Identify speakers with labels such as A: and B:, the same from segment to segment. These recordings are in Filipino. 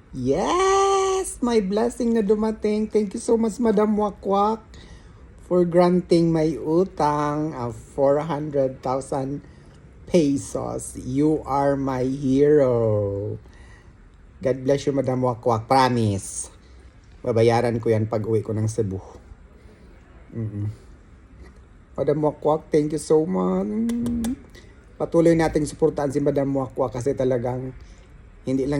A: Yes! My blessing na dumating. Thank you so much, Madam Wakwak, for granting my utang of 400,000 pesos. You are my hero. God bless you, Madam Wakwak. Promise. Babayaran ko yan pag uwi ko ng Cebu. Madam Wakwak, thank you so much. Patuloy nating suportahan si Madam Wakwak kasi talagang hindi lang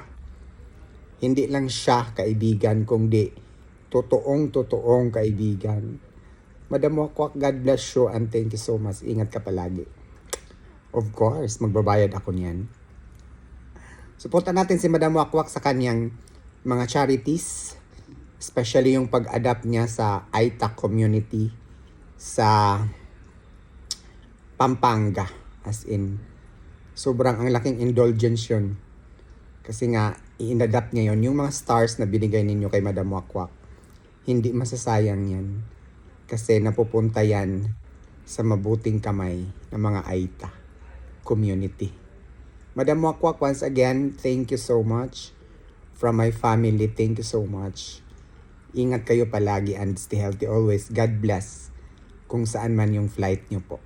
A: siya kaibigan, kundi totoong kaibigan. Madam Wakwak, God bless you and thank you so much. Ingat ka palagi. Of course, magbabayad ako niyan. Suportahan natin si Madam Wakwak sa kanyang mga charities, especially yung pag-adapt niya sa Aita community sa Pampanga. As in, sobrang ang laking indulgence yun. Kasi nga, i-adapt niya yun. Yung mga stars na binigay ninyo kay Madam Wakwak, hindi masasayang yan. Kasi napupunta yan sa mabuting kamay ng mga Aita community. Madam Wakwak, once again, thank you so much. From my family, thank you so much. Ingat kayo palagi and stay healthy always. God bless kung saan man yung flight nyo po.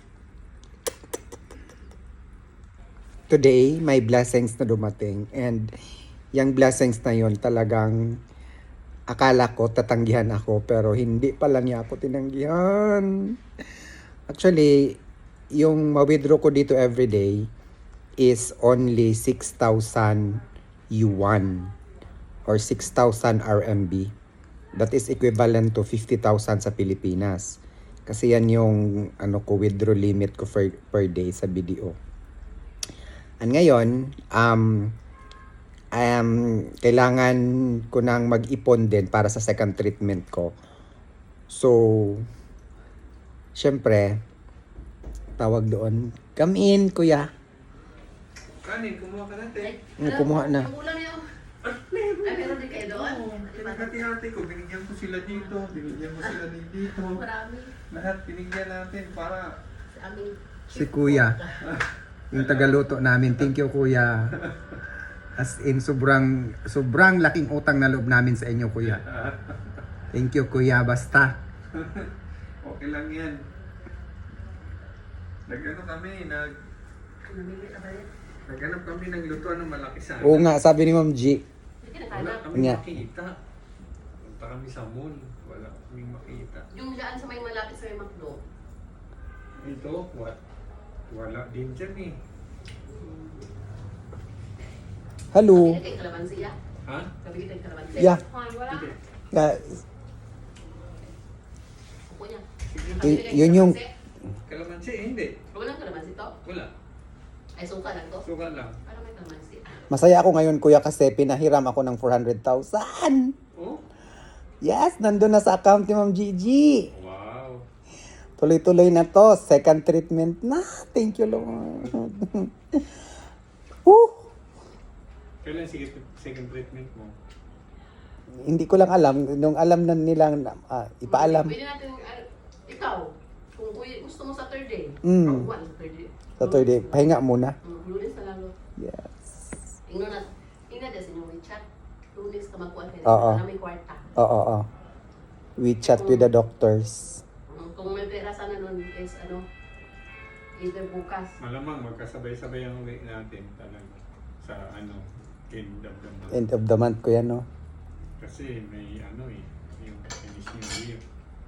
A: Today, may blessings na dumating and yung blessings na yun talagang akala ko tatanggihan ako pero hindi pala niya ako tinanggihan. Actually, yung ma-withdraw ko dito everyday is only 6,000 yuan or 6,000 RMB. That is equivalent to 50,000 sa Pilipinas. Kasi yan yung withdraw limit ko per day sa BDO. And ngayon, kailangan ko nang mag-ipon din para sa second treatment ko. So, syempre, tawag doon, come in, kuya.
B: Kanin, kumuha ka natin.
A: Kumuha na.
C: Ay, meron din kayo doon?
B: Pinagkati-hati ko, binigyan ko sila dito, binigyan ko sila dito.
C: Marami.
B: Lahat binigyan natin para...
C: Sa amin.
A: Si kuya. Yung tagaluto namin. Thank you, kuya. As in, sobrang laking utang na loob namin sa inyo, kuya. Thank you, kuya. Basta.
B: Okay lang yan. Naghanap kami ng lutuan ng malaki sana.
A: Oo nga, sabi ni Ma'am G.
C: Hindi
B: Wala
C: nakahanap.
B: kami
A: Nga.
B: makita. Punta kami sa mall. Wala kami makita.
C: Yung dyan sa may malapit sa may McDo.
B: Ito, what? Wala din dyan eh.
A: Hello.
C: Sabi kita yung kalamansi, ya?
B: Ha?
C: Sabi kita yung kalamansi.
A: Yeah.
C: Wala.
B: Hindi.
C: Upo niya.
A: Yun yung...
B: Kalamansi, hindi.
C: Walang kalamansi to?
B: Wala.
C: Ay, suka lang to?
B: Suka lang.
C: Parang may kalamansi.
A: Masaya ako ngayon, kuya, kasi pinahiram ako ng 400,000.
B: Oh?
A: Yes, nandun na sa account ni Ma'am Gigi.
B: Wow.
A: Tuloy-tuloy na to. Second treatment na. Thank you, Lord. Woo!
B: Kailan second treatment mo?
A: Hindi ko lang alam. Nung alam na nilang ipaalam.
C: Pwede natin, ikaw, kung gusto mo sa third day.
A: Mm.
C: One, sa third day.
A: Saturday, pahinga muna.
C: Lunes na lalo.
A: Yes.
C: Ingno na din sa inyong WeChat. Lunes ka magkuhan kayo.
A: Oo.
C: Na may kwarta.
A: Oo. We chat with the doctors.
C: Kung may pera sana nun is either bukas.
B: Malamang magkasabay-sabay ang uwi natin talaga sa end of the month.
A: End of the month ko yan, no?
B: Kasi may yung finish new year.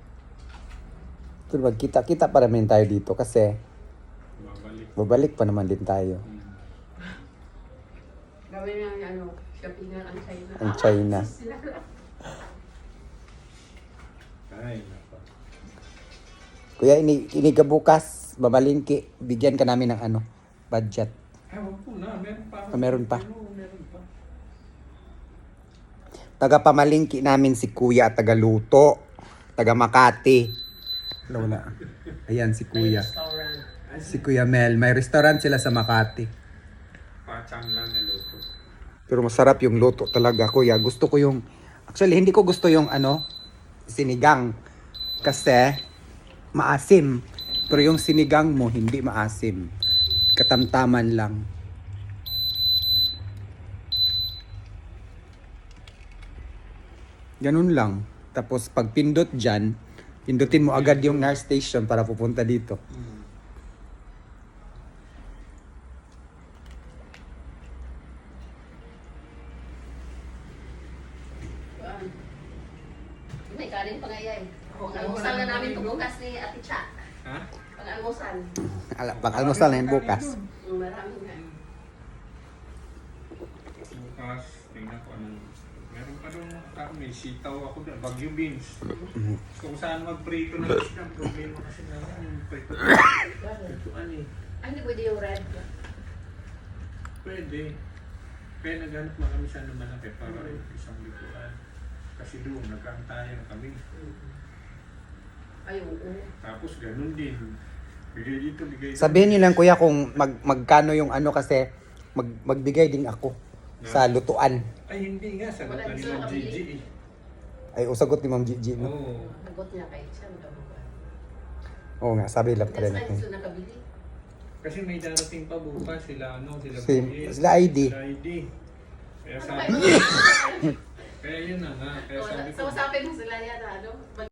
A: So, magkita-kita pa naman tayo dito kasi babalik pa naman din tayo.
C: Gawin na shoppingan ang China.
A: Ang China.
B: Ay, nako.
A: Kuya, inigabukas, babalingki, bigyan ka namin ng budget.
B: Ay, wag po na. Meron pa.
A: Meron pa.
B: Meron pa.
A: Taga-pamalingki namin si Kuya at taga-luto. Taga-Makati. Wala. Ayan si Kuya.
C: Restaurant.
A: Si Kuya Mel. May restaurant sila sa Makati.
B: Pachang lang na luto.
A: Pero masarap yung luto talaga, Kuya. Gusto ko yung... Actually, hindi ko gusto yung sinigang. Kasi maasim. Pero yung sinigang mo, hindi maasim. Katamtaman lang. Ganun lang. Tapos pag pindot dyan, pindutin mo agad yung nurse station para pupunta dito.
C: May kanin pa nga yan. Pang-almusal na namin ito bukas ni Ate Cha.
B: Ha?
C: Pang-almusal.
A: Pag-almusal na yun bukas.
C: Marami nga.
B: Bukas, tingnan ko anong... Meron pa doon may sitaw ako doon, Bagyo beans. Kung saan magprito ng isda, problema kasi naman yung prito. Prituan eh.
C: Ay, hindi pwede yung red.
B: Pwede. Kaya naghanap na kami sa malaki para isang likuan. Kasi doon, nagkaantayan kami.
C: Ay, oo.
B: Tapos ganun din. Bigay dito, bigay dito.
A: Sabihin niyo lang kuya kung magkano yung ano kasi magbigay din ako sa lutuan.
B: Ay, hindi nga. Sagot
C: Wala,
B: na ni
C: gusto
B: Ma'am
C: nakabili.
B: Gigi eh.
A: Ay, usagot ni Ma'am Gigi, no?
B: Oo.
C: Nagot niya kay siya. Magkabukan.
A: Oo nga, sabi lang pala
C: That's why
A: natin.
C: gusto nakabili.
B: Kasi may darating pa bukas sila, sila
A: Sila
B: Sila
A: ID.
B: ID. Kaya
C: Ano
B: sabi
C: kayo?
B: Kaya yun na nga. Kaya sabi ko,
C: So, usapin mo sila yan, ano?